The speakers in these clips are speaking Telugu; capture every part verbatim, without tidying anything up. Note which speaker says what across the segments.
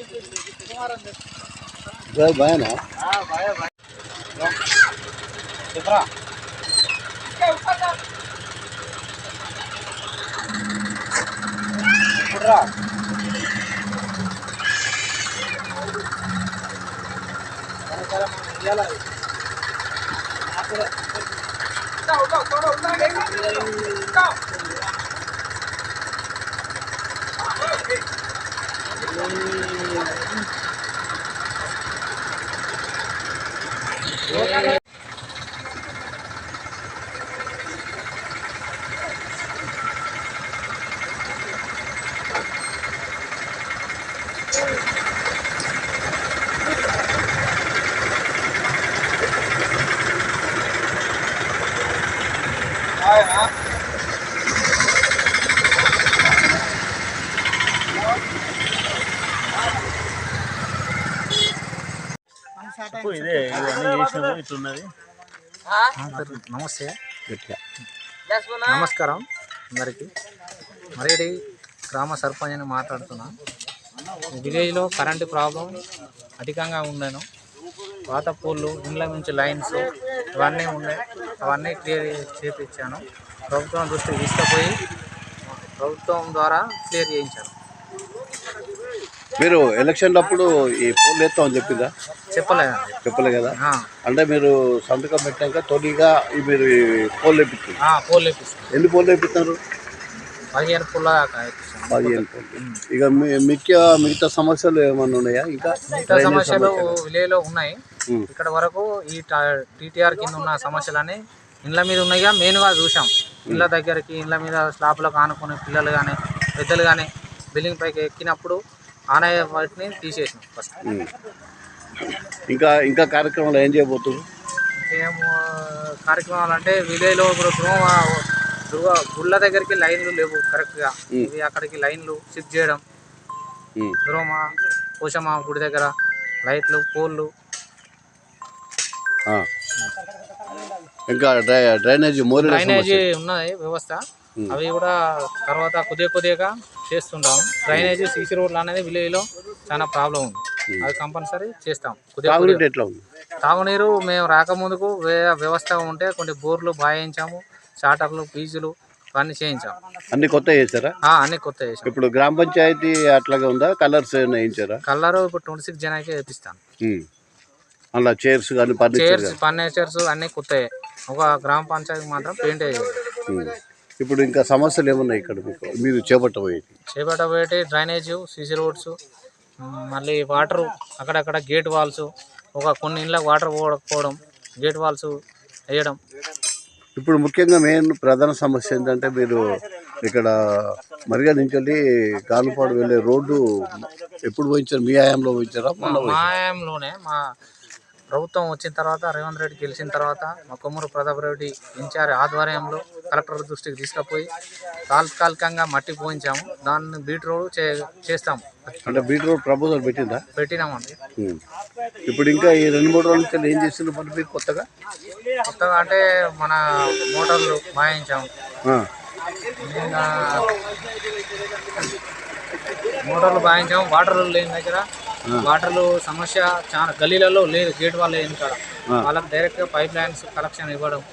Speaker 1: भाई ना हां भाई भाई कितना पूरा सारा याला जाओ जाओ थोड़ा उधर जाओ
Speaker 2: ఇదే ఇవన్నీ చేసినాము ఇట్లున్నది.
Speaker 3: నమస్తే నమస్కారం అందరికీ. మరేడి గ్రామ సర్పంచ్ అని మాట్లాడుతున్నా. విలేజ్లో కరెంటు ప్రాబ్లం అధికంగా ఉండను. పాత పూలు ఇండ్ల నుంచి లైన్స్ ఇవన్నీ ఉన్నాయి. అవన్నీ క్లియర్ చేయించాను. ప్రభుత్వం దృష్టికి తీసుకుపోయి ప్రభుత్వం ద్వారా క్లియర్ చేయించాను.
Speaker 1: మీరు ఎలక్షన్ అప్పుడు ఈ పోల్ ఎత్తామని చెప్పిందా?
Speaker 3: చెప్పలేదు
Speaker 1: చెప్పలే కదా. అంటే మీరు సంతకం పెట్టాక తొలిగా మీరు పోల్ వేపిస్తారు.
Speaker 3: పోల్ వేపిస్తారు.
Speaker 1: ఎన్ని పోల్ వేపిస్తారు?
Speaker 3: పదిహేను పూల దాకా
Speaker 1: పదిహేను పోల్. ఇక మిగతా మిగతా సమస్యలు ఏమన్నా ఉన్నాయా? ఇంకా
Speaker 3: మిగతా సమస్యలు విలేజ్లో ఉన్నాయి. ఇక్కడ వరకు ఈ టీటీఆర్ కింద ఉన్న సమస్యలని ఇండ్ల మీద ఉన్నాయిగా మెయిన్గా చూసాం. ఇండ్ల దగ్గరికి ఇండ్ల మీద స్లాబ్లకు ఆనుకునే పిల్లలు కానీ పెద్దలు కానీ బిల్డింగ్ పైకి ఎక్కినప్పుడు ఆనయ్య వాటిని తీసేసినాం ఫస్ట్.
Speaker 1: ఇంకా ఇంకా కార్యక్రమాలు ఏం చేయబోతున్నారు?
Speaker 3: ఇంకేం కార్యక్రమాలు అంటే విలేజ్లో ఇప్పుడు దుర్గ దుర్గ గుళ్ళ దగ్గరికి లైన్లు లేవు కరెక్ట్గా. ఇవి అక్కడికి లైన్లు షిఫ్ట్ చేయడం, దుర్గమ్మ పోషమ్మ గుడి దగ్గర లైట్లు పోల్లు.
Speaker 1: ఇంకా డ్రైనేజీ
Speaker 3: డ్రైనేజీ ఉన్నాయి వ్యవస్థ. అవి కూడా తర్వాత కొద్దిగా కొద్దిగా చేస్తుంటాం. డ్రైనేజీ సీసీ రోడ్లు అనేది విలేజ్లో చాలా ప్రాబ్లం ఉంది. అది కంపల్సరీ చేస్తాం. తాగునీరు మేము రాకముందుకు వ్యవస్థ ఉంటే కొన్ని బోర్లు బాయించాము, చాటర్లు ఫీజులు ఇవన్నీ చేయించాము.
Speaker 1: అన్ని కొత్త చేశారా?
Speaker 3: అన్ని కొత్త చేసాం.
Speaker 1: ఇప్పుడు గ్రామ పంచాయతీ అట్లాగే ఉందా? కలర్స్ వేయించారా?
Speaker 3: కలర్ ఇప్పుడు ట్వంటీ సిక్స్ జనాకే వేపిస్తాను.
Speaker 1: అలా చైర్స్ కానీ
Speaker 3: చైర్స్ ఫర్నిచర్స్ అన్ని కొత్తయే. ఒక గ్రామ పంచాయతీ మాత్రం పెయింట్ అయ్యేది.
Speaker 1: ఇప్పుడు ఇంకా సమస్యలు ఏమున్నాయి ఇక్కడ మీకు మీరు చేపట్టబోయేది?
Speaker 3: చేపట్టబోయేటి డ్రైనేజ్, సీసీ రోడ్స్, మళ్ళీ వాటరు అక్కడక్కడ గేట్ వాల్స్, ఒక కొన్ని ఇళ్ళకి వాటర్ పోవడం, గేట్ వాల్స్ వేయడం.
Speaker 1: ఇప్పుడు ముఖ్యంగా మెయిన్ ప్రధాన సమస్య ఏంటంటే మీరు ఇక్కడ మరిగా నుంచి వెళ్ళి గానుపాడు వెళ్ళే రోడ్డు ఎప్పుడు పోయించారు? మీ హయాంలో పోయించారా?
Speaker 3: మా హయాంలోనే. మా ప్రభుత్వం వచ్చిన తర్వాత రేవంత్ రెడ్డి గెలిచిన తర్వాత మా కొమ్మూరు ప్రతాప్ రెడ్డి ఇన్ఛార్జ్ ఆధ్వర్యంలో కలెక్టర్ దృష్టికి తీసుకుపోయి తాత్కాలికంగా మట్టి పోయించాము. దాన్ని బీట్ రోడ్ చే చేస్తాము.
Speaker 1: అంటే బీట్ రోడ్ ప్రపోజల్ పెట్టిందా?
Speaker 3: పెట్టినామండి.
Speaker 1: ఇప్పుడు ఇంకా ఈ రెండు మూడు రోజుల నుంచి ఏం చేస్తున్నారు మరి మీరు కొత్తగా?
Speaker 3: కొత్తగా అంటే మన మోటార్లు బాయించాము. మోటార్లు బాయించాము. వాటర్ లేని దగ్గర వాటర్లు సమస్య చాలా గల్లీలలో లేదు. గేట్ వాళ్ళు లేని కాడ వాళ్ళకి డైరెక్ట్గా పైప్ లైన్స్ కలెక్షన్ ఇవ్వడం.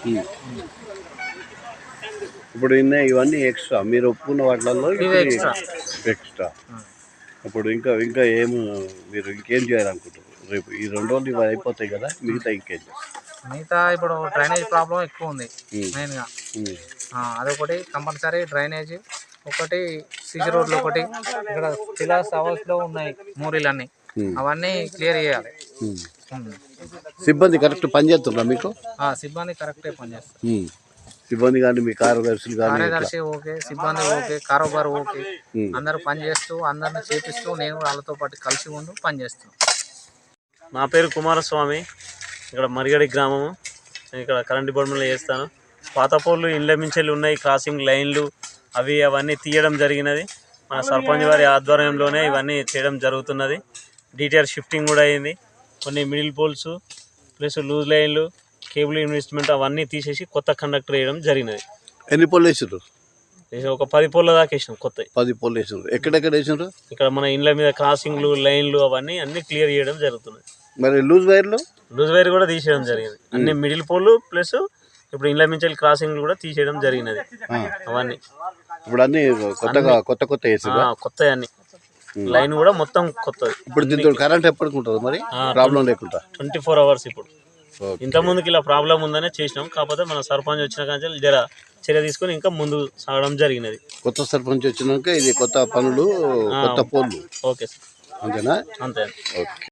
Speaker 1: ఇప్పుడు ఇవన్నీ ఎక్స్ట్రా మీరు ఒప్పుకున్న వాటిలలో
Speaker 3: ఎక్స్ట్రా
Speaker 1: ఎక్స్ట్రా ఇప్పుడు ఇంకా ఇంకా ఏం మీరు ఇంకేం చేయాలనుకుంటారు? రేపు ఈ రెండు రోజులు ఇవి అయిపోతాయి కదా, మిగతా ఇంకేం చేస్తారు?
Speaker 3: మిగతా ఇప్పుడు డ్రైనేజ్ ప్రాబ్లం ఎక్కువ ఉంది మెయిన్గా. అదొకటి కంపల్సరీ డ్రైనేజ్ ఒకటి, సీసీ రోడ్లు ఒకటి. ఇక్కడ పిలాస్ హౌస్లో ఉన్నాయి మూరీలన్నీ, అవన్నీ క్లియర్ చేయాలి.
Speaker 1: సిబ్బంది కరెక్ట్ పనిచేస్తున్నా మీకు?
Speaker 3: సిబ్బంది కరెక్టే పనిచేస్తారు.
Speaker 1: సిబ్బంది కానీ మీ కార్యదర్శులు కానీ?
Speaker 3: కార్యదర్శి ఓకే, సిబ్బంది ఓకే, కారోబార్ ఓకే, అందరూ పనిచేస్తూ అందరిని చేపిస్తూ నేను వాళ్ళతో పాటు కలిసి ఉంటూ పనిచేస్తాను.
Speaker 2: నా పేరు కుమారస్వామి. ఇక్కడ మరిగడి గ్రామము. నేను ఇక్కడ కరెంట్ డిపార్ట్మెంట్లో చేస్తాను. పాత పోర్లు ఇండ్ల మించెలు ఉన్నాయి, క్రాసింగ్ లైన్లు అవి అవన్నీ తీయడం జరిగినది. మన సర్పంచ్ వారి ఆధ్వర్యంలోనే ఇవన్నీ చేయడం జరుగుతున్నది. డీటీఆర్ షిఫ్టింగ్ కూడా అయింది. కొన్ని మిడిల్ పోల్స్ ప్లస్ లూజ్ లైన్లు, కేబుల్ ఇన్వెస్ట్మెంట్ అవన్నీ తీసేసి కొత్త కండక్టర్ వేయడం జరిగినది.
Speaker 1: ఎన్ని పోల్ వేసారు?
Speaker 2: ఇది ఒక పది పోల్ల దాకా వేసినాం కొత్తవి.
Speaker 1: పది పోల్ వేసినారు. ఎక్కడెక్కడ వేసినారు?
Speaker 2: ఇక్కడ మన ఇండ్ల మీద క్రాసింగ్లు లైన్లు అవన్నీ అన్ని క్లియర్ చేయడం జరుగుతుంది.
Speaker 1: మరి లూజ్ వైర్లు
Speaker 2: లూజ్ వైర్ కూడా తీసేయడం జరిగింది. అన్ని మిడిల్ పోల్ ప్లస్ ఇప్పుడు ఇండ్ల మించి క్రాసింగ్లు కూడా తీసేయడం జరిగినది. అవన్నీ
Speaker 1: ఇప్పుడు అన్ని కొత్తగా కొత్త కొత్త వేసారు.
Speaker 2: కొత్త అన్ని లైన్ కూడా మొత్తం కొత్తది.
Speaker 1: ఇప్పుడు దీంతో కరెంట్ ఎప్పటికి ఉంటుంది మరి ప్రాబ్లం లేకుండా?
Speaker 2: ట్వంటీ ఫోర్ అవర్స్ ఇప్పుడు. ఇంత ముందుకి ఇలా ప్రాబ్లం ఉందనే చేసినాం. కాకపోతే మన సర్పంచ్ వచ్చిన కానీ జర చర్య తీసుకొని ఇంకా ముందు సాగడం జరిగినది.
Speaker 1: కొత్త సర్పంచ్ వచ్చినాక ఇది కొత్త పనులు కొత్త పోల్లు.
Speaker 2: Okay sir.
Speaker 1: అంతేనా?
Speaker 2: అంతే.
Speaker 1: ఓకే.